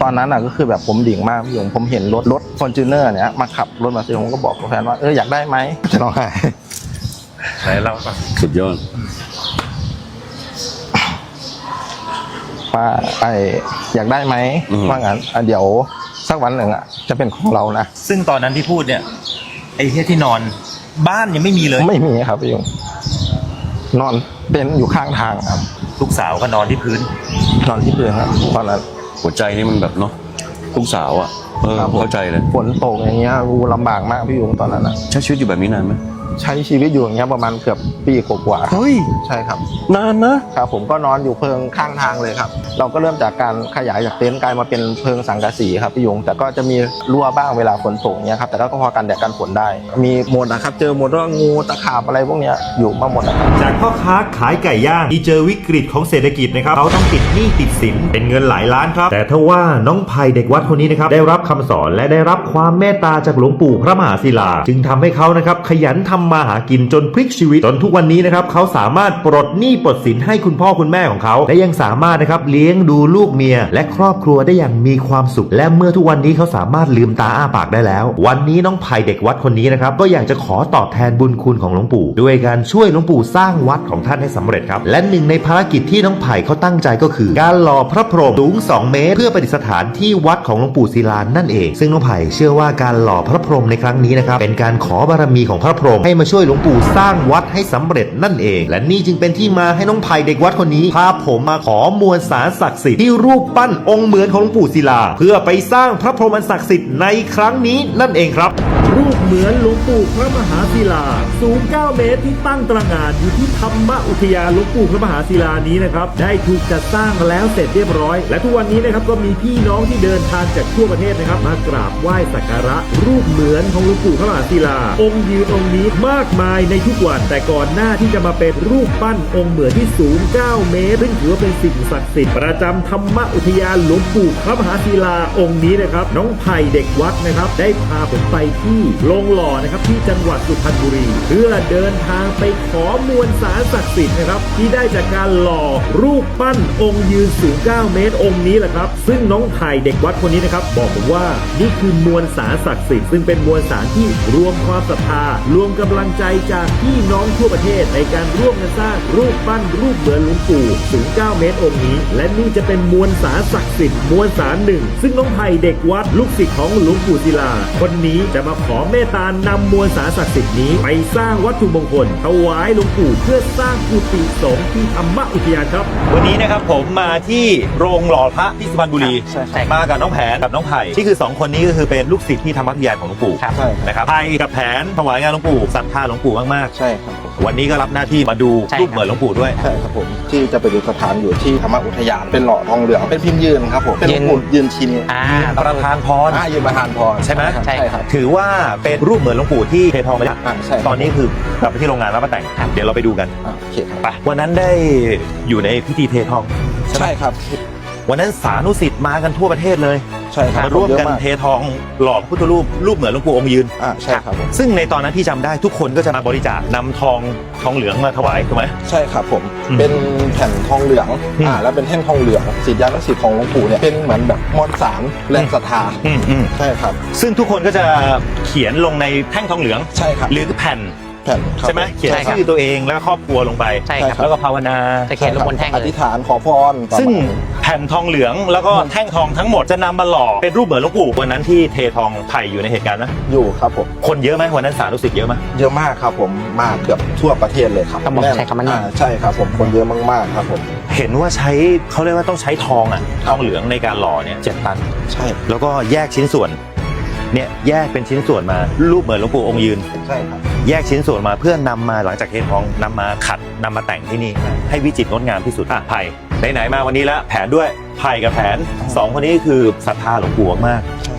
ตอนนั้นก็คือแบบผมดิ่งมากพี่ยงผมเห็นรถฟอร์จูเนอร์เนี่ยมาขับรถมาซื้อผมก็บอกกับแฟนว่าอยากได้ไหมจะร้องไห้ไหนเล่าป่ะสุดยอดว่าอยากได้ไหมว่างั้นเดี๋ยวสักวันหนึ่งจะเป็นของเรานะซึ่งตอนนั้นที่พูดเนี่ยไอ้ที่นอนบ้านยังไม่มีเลยไม่มีครับพี่ยงนอนเป็นอยู่ข้างทางครับลูกสาวก็นอนที่พื้นครับตอนนั้นหัวใจนี่มันแบบเนาะลูกสาวเข้าใจเลยฝนตกอย่างเงี้ยลำบากมากพี่ยงตอนนั้นใช้ชีวิตอยู่แบบนี้นานไหมใช้ชีวิตอยู่อย่างเงี้ยประมาณเกือบปีกว่าเฮ้ยใช่ครับนานนะครับผมก็นอนอยู่เพิงข้างทางเลยครับเราก็เริ่มจากการขยายจากเต็นท์กลายมาเป็นเพิงสังกะสีครับพี่ยงแต่ก็จะมีรั่วบ้างเวลาฝนตกเงี้ยครับแต่ก็พอกันแดดกันฝนได้มีหมดนะครับเจอหมดว่างูตะขาบอะไรพวกเนี้ยอยู่มาหมดนะครับจากพ่อค้าขายไก่ย่างที่เจอวิกฤตของเศรษฐกิจนะครับเขาต้องติดหนี้ติดสินเป็นเงินหลายล้านครับแต่ถ้าว่าน้องไผ่เด็กวัดคนนี้นะครับได้รับคำสอนและได้รับความเมตตาจากหลวงปู่พระมหาศิลาจึงทำให้เขานะครับขยันทำมาหากินจนพลิกชีวิตจนทุกวันนี้นะครับเขาสามารถปลดหนี้ปลดสินให้คุณพ่อคุณแม่ของเขาและยังสามารถนะครับเลี้ยงดูลูกเมียและครอบครัวได้อย่างมีความสุขและเมื่อทุกวันนี้เขาสามารถลืมตาอ้าปากได้แล้ววันนี้น้องไผ่เด็กวัดคนนี้นะครับก็อยากจะขอตอบแทนบุญคุณของหลวงปู่ด้วยการช่วยหลวงปู่สร้างวัดของท่านให้สำเร็จครับและหนึ่งในภารกิจที่น้องไผ่เขาตั้งใจก็คือการหล่อพระพรหมสูง2 เมตรเพื่อประดิษฐานที่วัดของหลวงปู่ศิลานั่นเองซึ่งน้องไผ่เชื่อว่าการหล่อพระพรหมในครั้งนี้นะครับเป็นการขอบารมีของพระพรหมให้มาช่วยหลวงปู่สร้างวัดให้สำเร็จนั่นเองและนี่จึงเป็นที่มาให้น้องไผ่เด็กวัดคนนี้พาผมมาขอมวลสารศักดิ์สิทธิ์ที่รูปปั้นองค์เหมือนของหลวงปู่ศิลาเพื่อไปสร้างพระพรหมอันศักดิ์สิทธิ์ในครั้งนี้นั่นเองครับรูปเหมือนหลวงปู่พระมหาศิลาสูง9 เมตรที่ตั้งตระหง่านอยู่ที่ธรรมอุทยานหลวงปู่พระมหาศิลานี้นะครับได้ถูกจัดสร้างแล้วเสร็จเรียบร้อยและทุกวันนี้นะครับก็มีพี่น้องที่เดินทางจากทั่วประเทศนะครับมากราบไหว้สักการะรูปเหมือนของหลวงปู่พระมหาศิลาองค์ยืนองค์นี้มากมายในทุกวันแต่ก่อนหน้าที่จะมาเป็นรูปปั้นองค์เหมือนที่สูง9 เมตรซึ่งถือว่าเป็นสิ่งศักดิ์สิทธิ์ประจำธรรมอุทยานหลวงปู่พระมหาศิลาองค์นี้นะครับน้องไผ่เด็กวัดนะครับได้พาผมไปที่โรงหล่อนะครับที่จังหวัดสุพรรณบุรีเพื่อเดินทางไปขอมวลสารศักดิ์สิทธิ์นะครับที่ได้จากการหล่อรูปปั้นองค์ยืนสูง9 เมตรองค์นี้แหละครับซึ่งน้องไผ่เด็กวัดคนนี้นะครับบอกผมว่านี่คือมวลสารศักดิ์สิทธิ์ซึ่งเป็นมวลสารที่รวมความศรัทธารวมกำลังใจจากพี่น้องทั่วประเทศในการร่วมกันสร้างรูปปั้นรูปเหมือนหลวงปู่สูง9 เมตรองค์นี้และนี่จะเป็นมวลสารศักดิ์สิทธิ์มวลสารหนึ่งซึ่งน้องไผ่เด็กวัดลูกศิษย์ของหลวงปู่ศิลาคนนี้จะมาขอเมตตานำมวลสารศักดิ์สิทธิ์นี้ไปสร้างวัตถุมงคลถวายหลวงปู่เพื่อสร้างกุฏิสงฆ์ที่ธรรมอุทยานครับวันนี้นะครับผมมาที่โรงหล่อพระที่สุพรรณบุรีมากับน้องแผนกับน้องไผ่ที่คือ2 คนนี้ก็คือเป็นลูกศิษย์ที่ธรรมอุทยานของหลวงปู่นะครับไผ่กับแผนถวายงานหลวงปู่ศรัทธาหลวงปู่มากๆใช่ครับวันนี้ก็รับหน้าที่มาดูรูปเหมือนหลวงปู่ด้วยใช่ครับผมที่จะไปดูสถานอยู่ที่ธรรมอุทยานเป็นหล่อทองเหลืองเป็นพิมพ์ยืนครับผมเป็นหลวงปู่ยืนชินประธานพรยืนประธานพรใช่ไหมใช่ครับถือว่าเป็นรูปเหมือนหลวงปู่ที่เททองไปแล้วตอนนี้คือกลับไปที่โรงงานแล้วมาแต่งเดี๋ยวเราไปดูกันโอเคครับไปวันนั้นได้อยู่ในพิธีเททองใช่ครับวันนั้นสานุศิษย์มากันทั่วประเทศเลยใช่ครับมาร่วมกันเททองหล่อพระพุทธรูปเหมือนหลวงปู่องค์ยืนใช่ครับซึ่งในตอนนั้นที่จำได้ทุกคนก็จะมาบริจาคนำทองเหลืองมาถวายถูกไหมใช่ครับผมเป็นแผ่นทองเหลืองแล้วเป็นแท่งทองเหลืองศิษยานุศิษย์ของหลวงปู่เนี่ยเป็นเหมือนแบบมวลสารแรงศรัทธาใช่ครับซึ่งทุกคนก็จะเขียนลงในแท่งทองเหลืองใช่ครับหรือแผ่นใช่ไหมเขียนชื่อตัวเองแล้วก็ครอบครัวลงไปแล้วก็ภาวนาจะเขียนลงบนแท่งอธิษฐานขอพรซึ่งแผ่นทองเหลืองแล้วก็แท่งทองทั้งหมดจะนำมาหล่อเป็นรูปเหมือนหลวงปู่วันนั้นที่เททองไผ่อยู่ในเหตุการณ์นะอยู่ครับผมคนเยอะไหมวันนั้นสาธุศิษย์เยอะไหมเยอะมากครับผมมาเกือบทั่วประเทศเลยครับใช่ครับใช่ครับผมคนเยอะมากๆครับผมเห็นว่าเขาเรียกว่าต้องใช้ทองเหลืองในการหล่อเนี่ย7 ตันใช่แล้วก็แยกชิ้นส่วนเนี่ยแยกเป็นชิ้นส่วนมารูปเหมือนหลวงปู่องค์ยืนใช่ครับแยกชิ้นส่วนมาเพื่อนำมาหลังจากเททองนำมาขัดนำมาแต่งที่นี่ให้วิจิตรงดงามที่สุดไผ่ไหนๆมาวันนี้แล้วแผนด้วยไผ่กับแผน2 คนนี้คือศรัทธาหลวงปู่มาก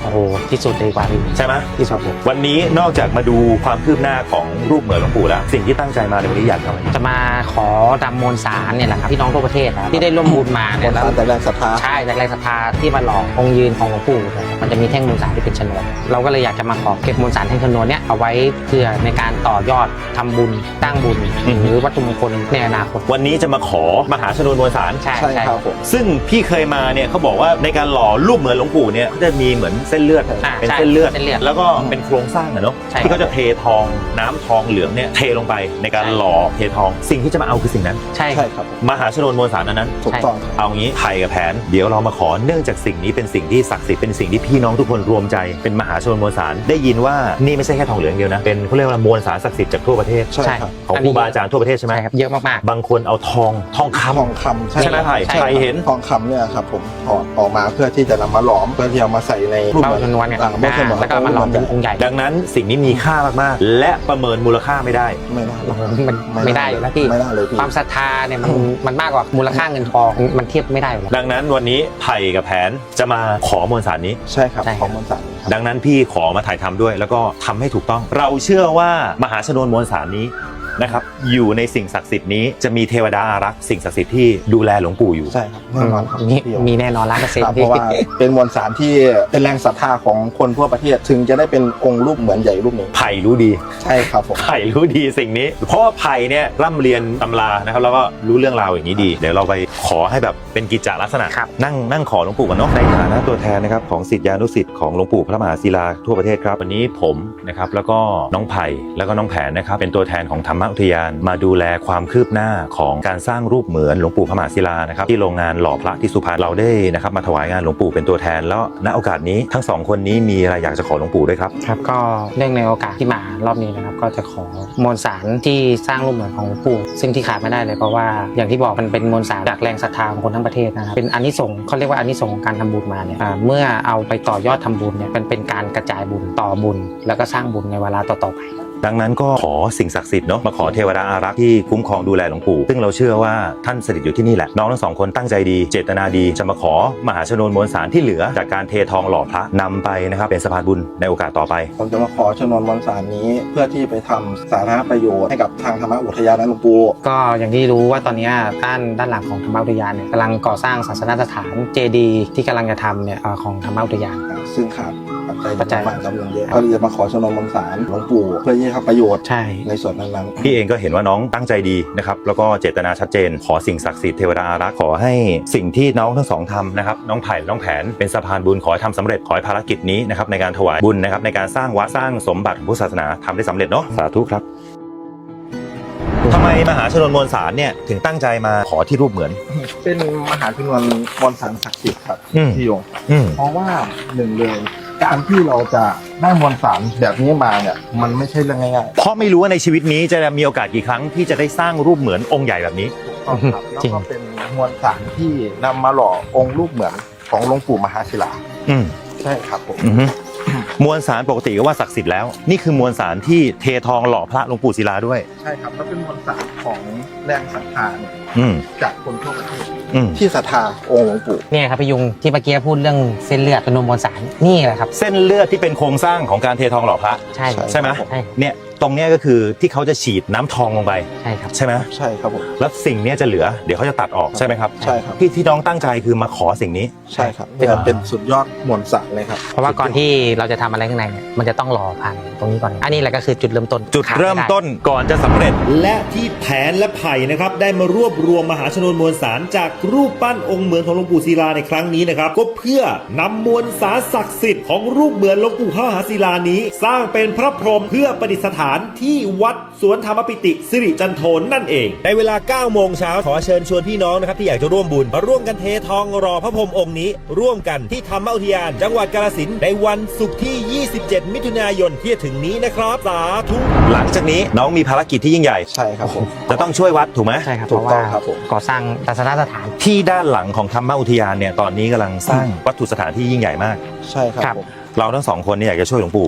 โอ้โหที่สุดเลยกว่าพี่ใช่ไหมที่สุดเลยวันนี้นอกจากมาดูความคืบหน้าของรูปเหมือนหลวงปู่แล้วสิ่งที่ตั้งใจมาในวันนี้อยากทำอะไรจะมาขอดำมวลสารเนี่ยแหละครับพี่น้องทั่วประเทศนะครับที่ได้ร่วมบุญมาเนี่ยแล้วแต่แรงศรัทธาใช่จากแรงศรัทธาที่มาหล่อองค์ยืนของหลวงปู่เนี่ยมันจะมีแท่งมวลสารที่เป็นชนวนเราก็เลยอยากจะมาขอเก็บมวลสารแท่งชนวนเนี่ยเอาไว้เพื่อในการต่อยอดทำบุญสร้างบุญหรือวัตถุมงคลในอนาคตวันนี้จะมาขอมหาชนวนมวลสารใช่ครับผมซึ่งพี่เคยมาเนี่ยเขาบอกว่าในการหล่อรูปเหมือนหลวงปู่เนี่ยจะมีเหมือนเส้นเลือดอ่าเป็นใช่เส้นเลือดเส้นเลือดแล้วก็เป็นโครงสร้างอะเนาะใช่ที่เขาจะเททองน้ำทองเหลืองเนี่ยเทลงไปในการใช่หล่อเททองสิ่งที่จะมาเอาคือสิ่งนั้นใช่ใช่ครับผมมหาชนวนมวลสารอันนั้นถูกต้องเอางี้ไผ่กับแผนเดี๋ยวเรามาขอเนื่องจากสิ่งนี้เป็นสิ่งที่ศักดิ์สิทธิ์เป็นสิ่งที่พี่น้องทุกคนรวมใจเป็นมหาชนวนมวลสารได้ยินว่านี่ไม่ใช่แค่ทองเหลืองเดียวนะเป็นเขาเรียกว่ามวลสารศักดิ์สิทธิ์จากทั่วประเทศใช่ครับของครูบาอาจารย์ทั่วประเทศใช่ไหมใช่ครับเยอะมากบางคนเอาทองคทองคำำใช่ไหมไผ่ใช่ไผ่เห็นทองคำเนี่ยครับผมถอดออกมาเพื่อที่จะนำมาหลอมเพื่อที่เอามาใส่ในรูปเบ้าชนวนเนี่ยเบ้าชนวนแล้วก็มาหล่อเป็นองค์ใหญ่ดังนั้นสิ่งนี้มีค่ามากๆ และประเมินมูลค่าไม่ได้ไม่ได้โอ้โหมันไม่ได้อยู่แล้วพี่ไม่ได้เลยพี่ความศรัทธาเนี่ยมันมากกว่ามูลค่าเงินทองมันเทียบไม่ได้อยู่แล้วดังนั้นวันนี้ไผ่กับแผนจะมาขอมวลสารนี้ใช่ครับใช่ครับของมวลสารครับดังนั้นพี่ขอมาถ่ายทำด้วย แล้วก็ทำให้ถูกต้อง เราเชื่อว่ามหาชนวนมวลสารนี้นะครับอยู่ในสิ่งศักดิ์สิทธิ์นี้จะมีเทวดาอารักษ์สิ่งศักดิ์สิทธิ์ที่ดูแลหลวงปู่อยู่ใช่ครับแน่นอนครับมีแน่นอน100% ครับเพพี่ราะว่าเป็นมวลสารที่เป็นแรงศรัทธาของคนทั่วประเทศถึงจะได้เป็นองค์รูปเหมือนใหญ่รูปหนึ่งไผ่รู้ดีใช่ครับผมไผ่รู้ดีสิ่งนี้ เพราะว่าไผ่เนี่ยร่ำเรียนตำรานะครับแล้วก็รู้เรื่องราวอย่างนี้ดี เดี๋ยวเราไปขอให้แบบเป็นกิจจลักษณะครับนั่งขอหลวงปู่กันเนาะในฐานะตัวแทนนะครับของศิษยานุศิษย์ของหลวงปู่พระมหาศิลาทั่วประเทศครับวันนี้ผมนะครับแล้วก็น้องไผ่แล้วก็น้องแผนนะครับเป็นตัวแทนของธรรมอุทยานมาดูแลความคืบหน้าของการสร้างรูปเหมือนหลวงปู่พระมหาศิลานะครับที่โรงงานหล่อพระที่สุพรรณเราได้นะครับมาถวายงานหลวงปู่เป็นตัวแทนแล้วณโอกาสนี้ทั้งสองคนนี้มีอะไรอยากจะขอหลวงปู่ด้วยครับครับก็เนื่องในโอกาสที่มารอบนี้นะครับก็จะขอมวลสารที่สร้างรูปเหมือนของหลวงปู่ซึ่งที่ขาดไม่ได้เลยเพราะว่าอย่างที่บอกมันเป็นมวลสารจากแรงศรัทธาของคนทั้งประเทศนะครับเป็นอานิสงส์เขาเรียกว่าอานิสงส์ของการทำบุญมาเนี่ยเมื่อเอาไปต่อยอดทำบุญเนี่ยมันเป็นการกระจายบุญต่อบุญ แล้วก็สร้างบุญในเวลาต่อๆไปดังนั้นก็ขอสิ่งศักดิ์สิทธิ์เนาะมาขอเทวดาอารักษ์ที่คุ้มครองดูแลหลวงปู่ซึ่งเราเชื่อว่าท่านสถิตอยู่ที่นี่แหละน้องทั้งสองคนตั้งใจดีเจตนาดีจะมาขอมหาชนวนมวลสารที่เหลือจากการเททองหล่อพระนำไปนะครับเป็นสะพานบุญในโอกาสต่อไปผมจะมาขอชนวนมวลสารนี้เพื่อที่ไปทำสาธารณประโยชน์ให้กับทางธรรมอุทยานหลวงปู่ก็อย่างที่รู้ว่าตอนนี้ด้านหลังของธรรมอุทยานเนี่ยกำลังก่อสร้างศาสนสถานเจดีย์ที่กำลังจะทำเนี่ยของธรรมอุทยานซึ่งขาดปัจจัยปัจจัยมากจำนวนเยอะก็เลยจะมาขอชนวนมวลสารหลวงปู่เพื่อที่จะทำประโยชน์ใช่ในส่วนนั้นพี่เองก็เห็นว่าน้องตั้งใจดีนะครับแล้วก็เจตนาชัดเจนขอสิ่งศักดิ์สิทธิ์เทวดาอารักษ์ขอให้สิ่งที่น้องทั้งสองทำนะครับน้องไผ่น้องแผนเป็นสะพานบุญขอให้ทำสำเร็จขอให้ภารกิจนี้นะครับในการถวายบุญนะครับในการสร้างวัดสร้างสมบัติของพุทธศาสนาทำได้สำเร็จเนาะสาธุครับทำไมมหาชนวนมวลสารเนี่ยถึงตั้งใจมาขอที่รูปเหมือนๆเป็นมหาชนวนมวลสารศักดิ์สิทธิ์ครับอืมพี่ยงอืมเพราะว่าหนึ่งเลยการที่เราจะได้มวลสารแบบนี้มาเนี่ยมันไม่ใช่เรื่องง่ายเพราะไม่รู้ว่าในชีวิตนี้จะมีโอกาสกี่ครั้งที่จะได้สร้างรูปเหมือนองค์ใหญ่แบบนี้ๆต้องครับแล้วจริงก็เป็นมวลสารที่นำมาหล่อองค์รูปเหมือนของหลวงปู่มหาศิลาอืมใช่ครับผมอือฮึมวลสารปกติก็ว่าศักดิ์สิทธิ์แล้ว นี่คือมวลสารที่เททองหล่อพระหลวงปู่ศิลาด้วยใช่ครับแล้วเป็นมวลสารของแรงศรัทธาเนี่ยอืมจากคนทั่วประเทศอืมที่ศรัทธาองค์หลวงปู่เนี่ยครับพี่ยุงที่เมื่อกี้พูดเรื่องเส้นเลือดเป็นนมมวลสารนี่แหละครับเส้นเลือดที่เป็นโครงสร้างของการเททองหล่อพระใช่ใช่ไหมใช่เนี่ยตรงเนี้ยก็คือที่เขาจะฉีดน้ำทองลงไปใช่ครับใช่ไหมใช่ครับผมแล้วสิ่งเนี้ยจะเหลือเดี๋ยวเขาจะตัดออกใช่ไหมครับใช่ครับที่น้องตั้งใจคือมาขอสิ่งนี้ใช่ครับเนี่ยเป็นสุดยอดมวลสารเลยครับเพราะว่าก่อนที่เราจะทำอะไรข้างในเนี่ยมันจะต้องรอผ่านตรงนี้ก่อนอันนี้แหละก็คือจุดเริ่มต้นจุดเริ่มต้นก่อนจะสำเร็จและที่แผนและไผ่นะครับได้มารวบรวมมหาชนวนมวลสารจากรูปปั้นองค์เหมือนของหลวงปู่ศิลาในครั้งนี้นะครับก็เพื่อนำมวลสารศักดิ์สิทธิ์ของรูปเหมือนหลวงปู่พระมหาศิลานี้ สร้างเป็นพระพรหมเพื่อประดิษฐานที่วัดสวนธรรมปิติสิริจันโทนนั่นเองในเวลา 9 โมงเช้าขอเชิญชวนพี่น้องนะครับที่อยากจะร่วมบุญมาร่วมกันเททองรอพระพรหมองค์นี้ ร่วมกันที่ธรรมอุทยานจังหวัดกาฬสินธุ์ในวันศุกร์ที่ 27 มิถุนายนที่จะถึงนี้นะครับสาธุหลังจากนี้น้องมีภารกิจที่ยิ่งใหญ่ใช่ครับผมจะต้องช่วยวัดถูกไหมใช่ครับถูเพกราะต้ว่าองครับผมก่อสร้างศาสนสถานที่ด้านหลังของธรรมอุทยานเนี่ยตอนนี้กำลังสร้างวัตถุสถานที่ยิ่งใหญ่มากใช่ครับครับผมเราทั้งสองคนเนี่ยอยากจะช่วยหลวงปู่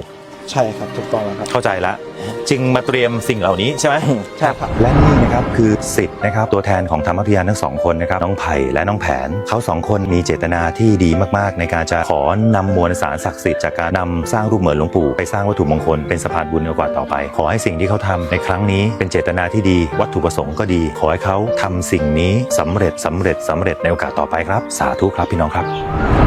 ใช่ครับถูกต้องแล้วครับเข้าใจละจึงมาเตรียมสิ่งเหล่านี้ใช่ไหมใช่ครับและนี่นะครับคือสิทธิ์นะครับตัวแทนของธรรมอุทยานทั้งสองคนนะครับน้องไผ่และน้องแผนเขาสองคนมีเจตนาที่ดีมากๆในการจะขอนำมวลสารศักดิ์สิทธิ์จากการนำสร้างรูปเหมือนหลวงปู่ไปสร้างวัตถุมงคลเป็นสะพานบุญในโอกาสต่อไปขอให้สิ่งที่เขาทำในครั้งนี้เป็นเจตนาที่ดีวัตถุประสงค์ก็ดีขอให้เขาทำสิ่งนี้สำเร็จในโอกาสต่อไปครับสาธุครับพี่น้องครับ